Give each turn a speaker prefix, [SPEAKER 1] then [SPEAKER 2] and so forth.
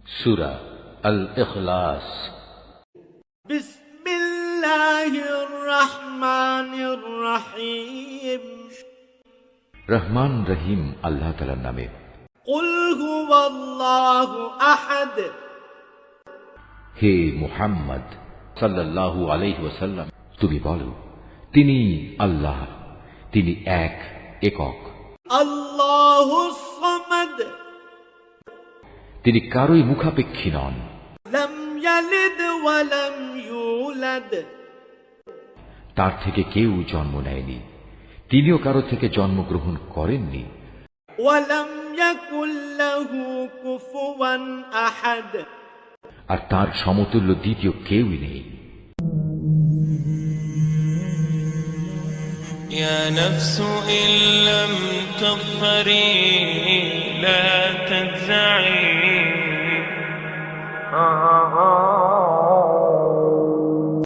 [SPEAKER 1] সূরা আল ইখলাস।
[SPEAKER 2] বিসমিল্লাহির রহমানির রহিম।
[SPEAKER 1] রহমান রহিম আল্লাহ তাআলার নামে।
[SPEAKER 2] কুল হুয়াল্লাহু আহাদ।
[SPEAKER 1] হে মুহাম্মদ সাল্লাল্লাহু আলাইহি ওয়াসাল্লাম, তুমি বলো, তিনি আল্লাহ, তিনি একক।
[SPEAKER 2] আল্লাহুস সামাদ।
[SPEAKER 1] তিনি কারোই মুখাপেক্ষী নন।
[SPEAKER 2] লাম ইয়ালিদ ওয়া লাম ইউলাদ।
[SPEAKER 1] তার থেকে কেউ জন্ম নেয়নি, তিনিও কারো থেকে জন্মগ্রহণ করেননি।
[SPEAKER 2] ওয়া লাম ইয়াকুল লাহু কুফুয়ান আহাদ।
[SPEAKER 1] আর তার সমতুল্য দ্বিতীয় কেউই নেই।
[SPEAKER 3] يا نفس إن لم تظفري لا تجزعي